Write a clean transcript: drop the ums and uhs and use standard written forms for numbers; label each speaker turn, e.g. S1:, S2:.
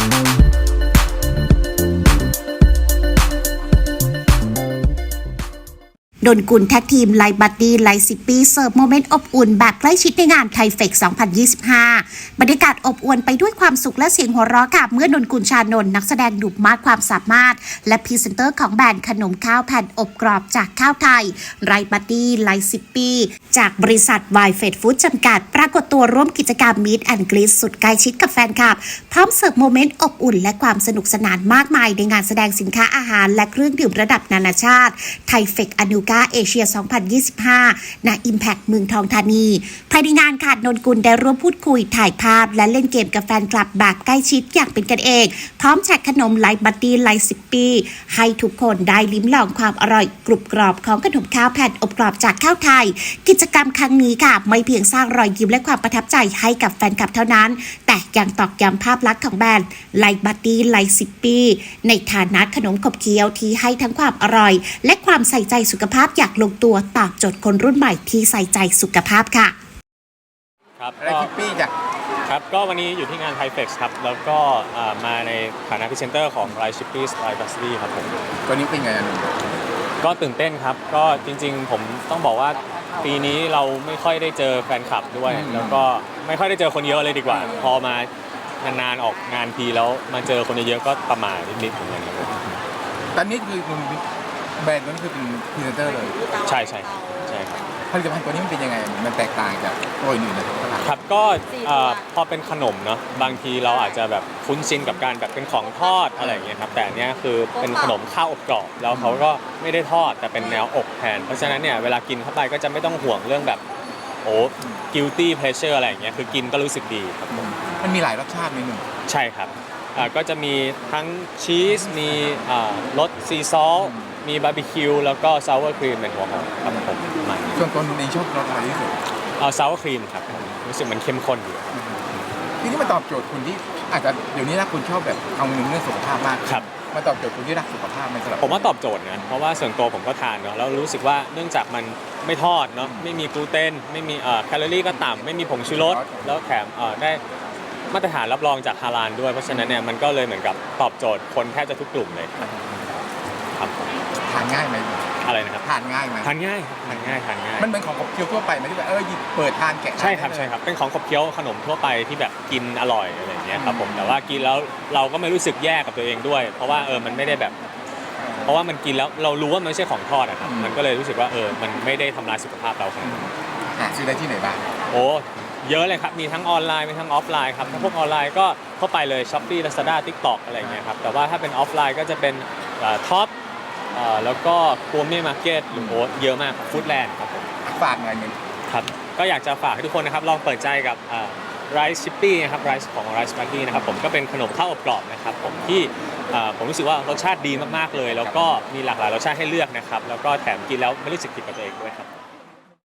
S1: ดนกุลแท็กทีมไลฟ์บัดดี้ไลฟ์ซิปปี้เสิร์ฟโมเมนต์อบอุ่นแบบใกล้ชิดในงานไทเฟก 2025 บรรยากาศอบอวลไปด้วยความสุขและเสียงหัวเราะกับเมื่อดนกุลชานนท์นักแสดงหนุ่มมากความสามารถและพรีเซนเตอร์ของแบรนด์ขนมข้าวแผ่นอบกรอบจากข้าวไทยไลฟ์บัดดี้ไลฟ์ซิปปี้จากบริษัทไวเฟดฟู้ดจำกัดปรากฏตัวร่วมกิจกรรมมีตแอนด์กรีซสุดใกล้ชิดกับแฟนคลับพร้อมเสิร์ฟโมเมนต์อบอุ่นและความสนุกสนานมากมายในงานแสดงสินค้าอาหารและเครื่องดื่มระดับนานาชาติไทเฟกอนูกาเอเชีย2025 ณ Impact เมืองทองธานีภายในงานค่ะนนกุลได้ร่วมพูดคุยถ่ายภาพและเล่นเกมกับแฟนคลับแบบใกล้ชิดอย่างเป็นกันเองพร้อมแจกขนมไลฟ์บัดดี้ไลฟ์ซิปปี้ให้ทุกคนได้ลิ้มลองความอร่อยกรุบกรอบของขนมข้าวแผ่นอบกรอบจากข้าวไทยกิจกรรมครั้งนี้ค่ะไม่เพียงสร้างรอยยิ้มและความประทับใจให้กับแฟนคลับเท่านั้นแต่ยังตอกย้ำภาพลักษณ์ของแบรนด์ไลฟ์บัดดี้ไลฟ์ซิปปี้ในฐานะขนมขบเคี้ยวที่ให้ทั้งความอร่อยและความใส่ใจสุขภาพอย่างลงตัวตอบโจทย์คนรุ่นใหม่ที่ใส่ใจสุขภาพค่ะ
S2: ครับ
S3: ไลฟ์ซิปปี้จ้ะ
S2: ครับก็วันนี้อยู่ที่งานไทเฟกครับแล้วก็มาในฐานะพรีเซนเตอร์ของไลฟ์ชิปปี้ไลฟ์บัสซี่ครับผม
S3: ตัวนี้เป็นไงอ่ะ
S2: ก็ตื่นเต้นครับก็จริงๆผมต้องบอกว่าปีนี้เราไม่ค่อยได้เจอแฟนคลับด้วยแล้วก็ไม่ค่อยได้เจอคนเยอะเลยดีกว่าพอมานานๆออกงานทีแล้วมาเจอคนเยอะๆก็ประมาทนิดๆเหมือนกันครับ
S3: ตอนนี้คือแบรนด์นั้นคือเป็นพรีเซนเตอร์เลย
S2: ใช่ใช่ใช่ครับ
S3: ผลิตภัณฑ์ตัวนี้มันเป็นยังไงมันแตกต่างจากตัวอื่นในตลาด
S2: ครับก็พอเป็นขนมเนาะบางทีเราอาจจะแบบคุ้นชินกับการแบบเป็นของทอดอะไรอย่างเงี้ยครับแต่อันเนี้ยคือเป็นขนมข้าวอบกรอบแล้วเขาก็ไม่ได้ทอดแต่เป็นแนวอบแทนเพราะฉะนั้นเนี่ยเวลากินเข้าไปก็จะไม่ต้องห่วงเรื่องแบบguilty pleasure อะไรอย่างเงี้ยคือกินก็รู้สึกดีครับผม
S3: มันมีหลายรสชาติในหนึ่ง
S2: ใช่ครับก็จะมีทั้งชีสมีรสซีซอลมีบาร์บีคิวแล้วก็ซาวเวอร์ครีมเป็นหัวหอมครับผม
S3: ส่วนตัวในชอบรสอะไรที่สุด
S2: ซาวเวอร์ครีมครับรู้สึกมันเข้มข้นดี
S3: ทีนี้มันตอบโจทย์คนที่อาจจะเดี๋ยวนี้นะคุณชอบแบบเอาเรื่องสุขภาพมาก
S2: ครับ
S3: มาตอบโจทย์คนที่รักสุขภาพมันสำหรับ
S2: ผมว่าตอบโจทย์นะเพราะว่าส่วนตัวผมก็ทานเนาะแล้วรู้สึกว่าเนื่องจากมันไม่ทอดเนาะไม่มีกลูเตนไม่มีแคลอรี่ก็ต่ำไม่มีผงชูรสแล้วแถมได้มาตรฐานรับรองจากฮาลาลด้วยเพราะฉะนั้นเนี่ยมันก็เลยเหมือนกับตอบโจทย์คนแทบจะทุกกลุ่มเลยครับ
S3: ทานง่ายไหม
S2: อะไรนะครับ
S3: ทานง่ายไหม
S2: ทานง่าย
S3: มันเป็นของขบเคี้ยวทั่วไปไหมที่แบบหยิบเปิดทานแกะ
S2: ใช่ครับเป็นของขบเคี้ยวขนมทั่วไปที่แบบกินอร่อยอะไรอย่างเงี้ยครับผมแต่ว่ากินแล้วเราก็ไม่รู้สึกแย่กับตัวเองด้วยเพราะว่ามันไม่ได้แบบเพราะว่ามันกินแล้วเรารู้ว่ามันไม่ใช่ของทอดอะครับมันก็เลยรู้สึกว่ามันไม่ได้ทำลายสุขภาพเราครับ
S3: ซื้อได้ที่ไหนบ้าง
S2: เยอะเลยครับมีทั้งออนไลน์มีทั้งออฟไลน์ครับถ้าพวกออนไลน์ก็เข้าไปเลย Shopee Lazada TikTok อะไรอย่างเงี้ยครับแต่ว่าถ้าเป็นออฟไลน์ก็จะเป็นท็อปแล้วก็คัวเม่มาร์เก็ตหรือเยอะมากฟู้ดแลนด์ครับผม
S3: ฝากหน่อยนึง
S2: ครับก็อยากจะฝากให้ทุกคนนะครับลองเปิดใจกับไรซ์ชิปปี้นะครับไรซ์ของไรซ์บัดดี้นะครับผมก็เป็นขนมข้าวอบกรอบนะครับผมที่ผมรู้สึกว่ารสชาติดีมากๆเลยแล้วก็มีหลากหลายรสชาติให้เลือกนะครับแล้วก็แถมกินแล้วไม่รู้สึกผิดกับตัวเองด้วยครับ